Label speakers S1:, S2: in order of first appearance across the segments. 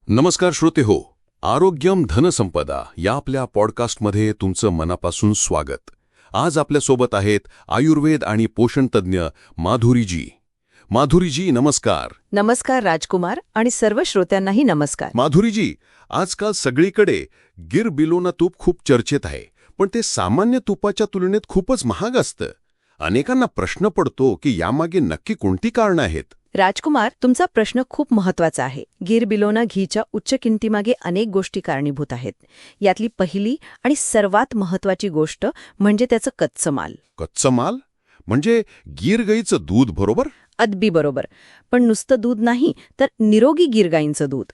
S1: नमस्कार श्रोते हो, आरोग्यम धनसंपदा या आपल्या पॉडकास्टमध्ये तुमचं मनापासून स्वागत. आज आपल्यासोबत आहेत आयुर्वेद आणि पोषण तज्ज्ञ माधुरीजी. माधुरीजी नमस्कार.
S2: नमस्कार राजकुमार आणि सर्व श्रोत्यांनाही नमस्कार.
S1: माधुरीजी, आजकाल सगळीकडे गिर बिलोना तूप खूप चर्चेत आहे, पण ते सामान्य तुपाच्या तुलनेत खूपच महाग असतं. अनेकांना प्रश्न पडतो की यामागे नक्की कोणती कारणं आहेत?
S2: राजकुमार, तुमचा प्रश्न खूप महत्वाचा आहे. गिर बिलोना घीच्या उच्च किमतीमागे अनेक गोष्टी कारणीभूत आहेत. यातली पहिली आणि सर्वात महत्वाची गोष्ट म्हणजे त्याचं कच्चं माल.
S1: कच्चं माल म्हणजे गिर गाईचं दूध, बरोबर?
S2: अगदी बरोबर. पण नुसतं दूध नाही, तर निरोगी गिर गाईंचं दूध.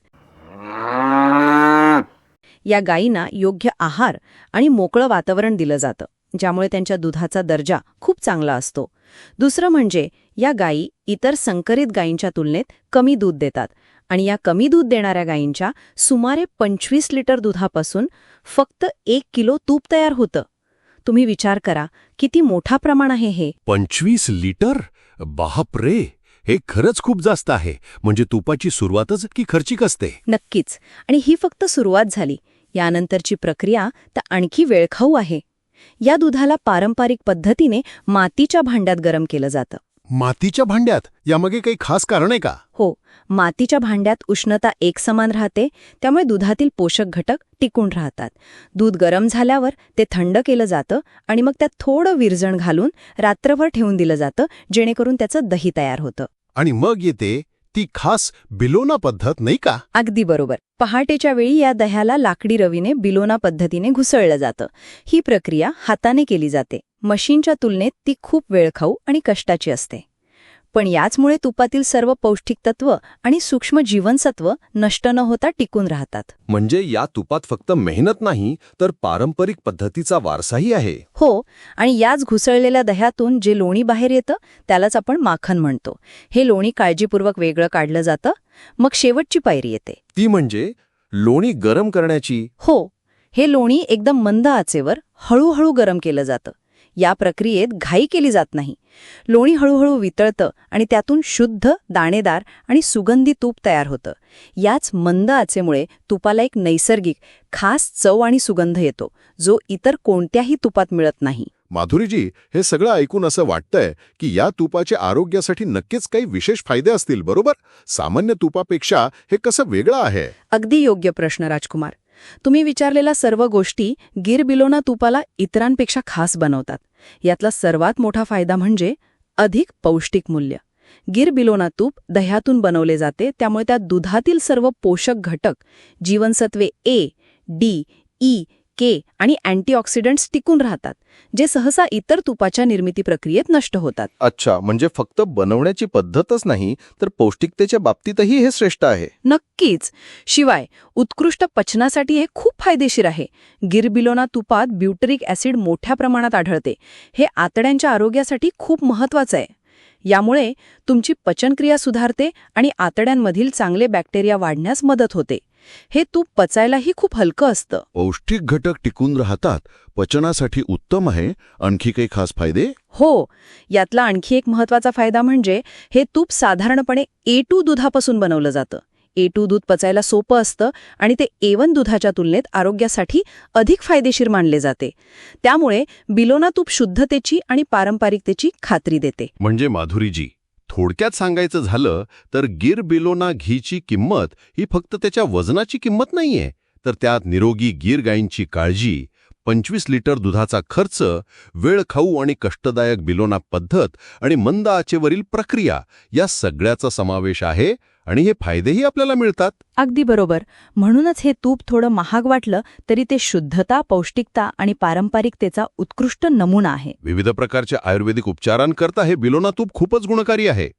S2: या गायींना योग्य आहार आणि मोकळं वातावरण दिलं जातं, ज्यामुळे त्यांच्या दुधाचा दर्जा खूप चांगला असतो. दुसरं म्हणजे या गायी इतर संकरित गायींच्या तुलनेत कमी दूध देतात आणि या कमी दूध देणाऱ्या गायींच्या सुमारे 25 लिटर दुधापासून फक्त 1 किलो तूप तयार होतं. तुम्ही विचार करा, किती मोठा प्रमाण आहे हे.
S1: 25 लिटर? बापरे, हे खरंच खूप जास्त आहे. म्हणजे तुपाची सुरुवातच की खर्चिक असते.
S2: नक्कीच. आणि ही फक्त सुरुवात झाली. यानंतरची प्रक्रिया तर आणखी वेळखाऊ आहे. या दुधाला पारंपरिक पद्धतीने मातीच्या भांड्यात गरम केलं जातं.
S1: मातीच्या भांड्यात? यामागे काही खास कारण आहे का?
S2: हो, मातीच्या भांड्यात उष्णता एकसमान राहते, त्यामुळे दुधातील पोषक घटक टिकून राहतात. दूध गरम झाल्यावर ते थंड केलं जातं आणि मग त्यात थोडं विरजण घालून रात्रभर ठेवून दिलं जातं, जेणेकरून त्याचं दही तयार होतं.
S1: आणि मग येते ती खास बिलोना पद्धत, नाही का?
S2: अगदी बरोबर. पहाटेच्या वेळी या दह्याला लाकडी रवीने बिलोना पद्धतीने घुसळलं जातं. ही प्रक्रिया हाताने केली जाते. मशीनच्या तुलनेत ती खूप वेळखाऊ आणि कष्टाची असते. पण याचमुळे तुपातील सर्व पौष्टिक तत्व आणि सूक्ष्म जीवनसत्व नष्ट न होता टिकून राहतात.
S1: म्हणजे या तुपात फक्त मेहनत नाही, तर पारंपरिक पद्धतीचा वारसाही आहे.
S2: हो, आणि याच घुसळलेल्या दह्यातून जे लोणी बाहेर येतं त्यालाच आपण माखन म्हणतो. हे लोणी काळजीपूर्वक वेगळं काढलं जातं. मग शेवटची पायरी येते.
S1: ती म्हणजे लोणी गरम करण्याची.
S2: हो, हे लोणी एकदम मंद आचेवर हळूहळू गरम केलं जातं. या प्रक्रियेत घाई केली जात नाही. लोणी हळूहळू वितळतं आणि त्यातून शुद्ध, दाणेदार आणि सुगंधी तूप तयार होतं. याच मंद आचेमुळे तुपाला एक नैसर्गिक, खास चव आणि सुगंध येतो, जो इतर कोणत्याही तुपात मिळत नाही.
S1: माधुरीजी, हे सगळं ऐकून असं वाटतंय की या तुपाचे आरोग्यासाठी नक्कीच काही विशेष फायदे असतील, बरोबर? सामान्य तुपापेक्षा हे कसं वेगळं आहे?
S2: अगदी योग्य प्रश्न राजकुमार. तुम्ही विचारलेल्या सर्व गोष्टी गिर बिलोना तुपाला इतरांपेक्षा खास बनवतात. यातला सर्वात मोठा फायदा म्हणजे अधिक पौष्टिक मूल्य. गिर बिलोना तूप दह्यातून बनवले जाते, त्यामुळे त्यात दुधातील सर्व पोषक घटक, जीवनसत्वे ए, डी, ई, के आणि अँटीऑक्सिडंट्स टिकून राहतात, जे सहसा इतर तुपाच्या निर्मिती प्रक्रियेत नष्ट होतात.
S3: अच्छा, म्हणजे फक्त बनवण्याची पद्धतच नाही, तर पौष्टिकतेच्या बाबतीतही हे श्रेष्ठ आहे.
S2: नक्कीच. शिवाय उत्कृष्ट पचनासाठी हे खूप फायदेशीर आहे. गिर बिलोना तुपात ब्युटरिक ॲसिड मोठ्या प्रमाणात आढळते. हे आतड्यांच्या आरोग्यासाठी खूप महत्वाचं आहे. यामुळे तुमची पचनक्रिया सुधारते आणि आतड्यांमधील चांगले बॅक्टेरिया वाढण्यास मदत होते. हे तूप पचायलाही खूप हलकं असतं.
S1: पौष्टिक घटक टिकून राहतात, पचनासाठी उत्तम आहे. आणखी काही खास फायदे?
S2: हो, यातला आणखी एक महत्वाचा फायदा म्हणजे हे तूप साधारणपणे A2 दुधापासून बनवलं जातं. A2 दूध पचायला सोपं असतं आणि ते A1 दुधाच्या तुलनेत आरोग्यासाठी अधिक फायदेशीर मानले जाते. त्यामुळे बिलोना तूप शुद्धतेची आणि पारंपरिकतेची खात्री देते.
S1: म्हणजे माधुरीजी, थोडक्यात सांगायचं झालं तर गिर बिलोना घीची किंमत ही फक्त त्याच्या वजनाची किंमत नाहीये, तर त्यात निरोगी गिर गायींची काळजी, 25 लिटर दुधाचा खर्च, वेळखाऊ आणि कष्टदायक बिलोना पद्धत आणि मंद आचेवरील प्रक्रिया या सगळ्याचा समावेश आहे. आणि हे फायदेही आपल्याला मिळतात.
S2: अगदी बरोबर. म्हणूनच हे तूप थोडं महाग वाटलं तरी ते शुद्धता, पौष्टिकता आणि पारंपरिकतेचा उत्कृष्ट नमुना आहे.
S1: विविध प्रकारच्या आयुर्वेदिक उपचारांकरता हे बिलोना तूप खूपच गुणकारी आहे.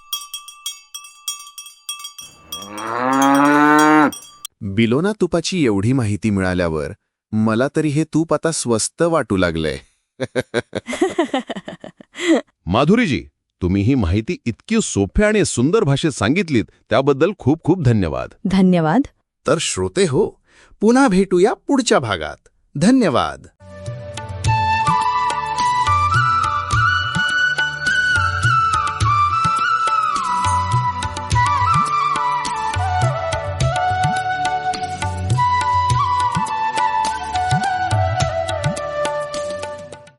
S4: बिलोना तुपाची एवढी माहिती मिळाल्यावर मला तरी हे तूप आता स्वस्त वाटू लागलंय.
S1: माधुरीजी, तुम्ही ही माहिती इतकी सोप्या आणि सुंदर भाषेत सांगितलीत, त्याबद्दल खूप खूप धन्यवाद.
S2: धन्यवाद.
S4: तर श्रोते हो, पुन्हा भेटूया पुढच्या भागात. धन्यवाद.